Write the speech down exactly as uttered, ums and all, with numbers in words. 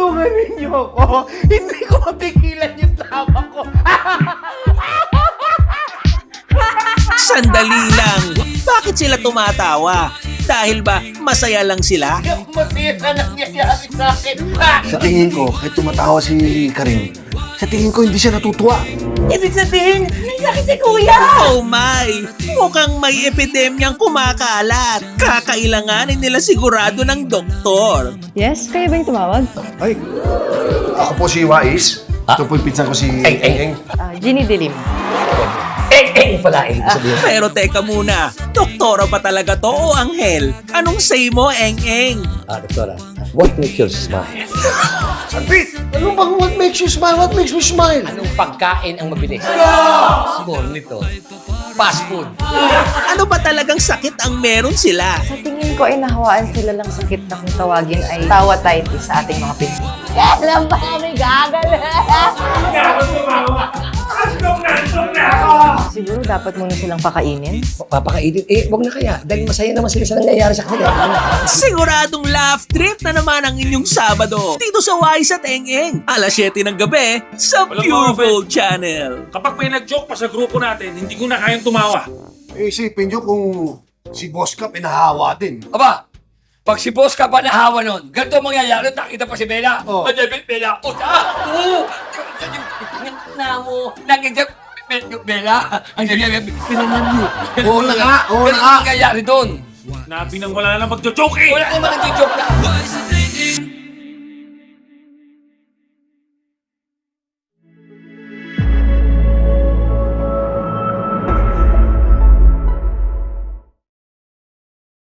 tulungan ninyo ako. Hindi ko mapigilan yung tama ko. Sandali lang. Bakit sila tumatawa? Dahil ba masaya lang sila? Yung masaya na nangyayari sa akin. Sa tingin ko, kahit tumatawa si Karim, sa tingin ko hindi siya natutuwa. Ibig sabihin, may sakit si Kuya. Oh my! Mukhang may epidemyang kumakalat. Kakailanganin nila sigurado ng doktor. Yes, kayo ba yung tumawag? Ay, ako po si Wais. Ito po yung pizza ko si... Eng, eng, eng. Ah, Ginny Dilim. Eng, eng pala, eng. Sabihin. Pero teka muna, doktora ba talaga to o anghel? Anong say mo, eng-eng? Ah, doktora. What makes you smile? Sanpit! Ano bang what makes you smile? What makes me smile? Anong pagkain ang mabilis? Siguro nito. Fast food. Ano ba talagang sakit ang meron sila? Sa tingin ko ay nahawaan sila lang sakit na kung tawagin ay tawa-titis sa ating mga Pinoy. Alam ba kami gagal? Siguro dapat muna silang pakainin. Papakainin? Eh, wag na kaya. Dahil masaya naman sila sa nangyayari sa kanila. Siguradong laugh trip na naman ang inyong Sabado dito sa Wise at Eng-Eng. alas siyete ng gabi sa Walang Pure mga Gold Channel. Kapag may nag-joke pa sa grupo natin, hindi ko na kayang tumawa. Eh, isipin nyo kung si Boss Ka pinahawa din. Aba, pag si boss ka pa nahawa nun, ganito ang mangyayari, nakita pa si Bella. Oh. Ano yung Bella? O, ah! Oo! Na mo, nakita Bella. Ang nangyayari, pinanan mo. Oo na nga, oo na Ganito nga. ang mangyayari doon. Nabi nang wala na mag-joke eh! Wala naman nag-joke na.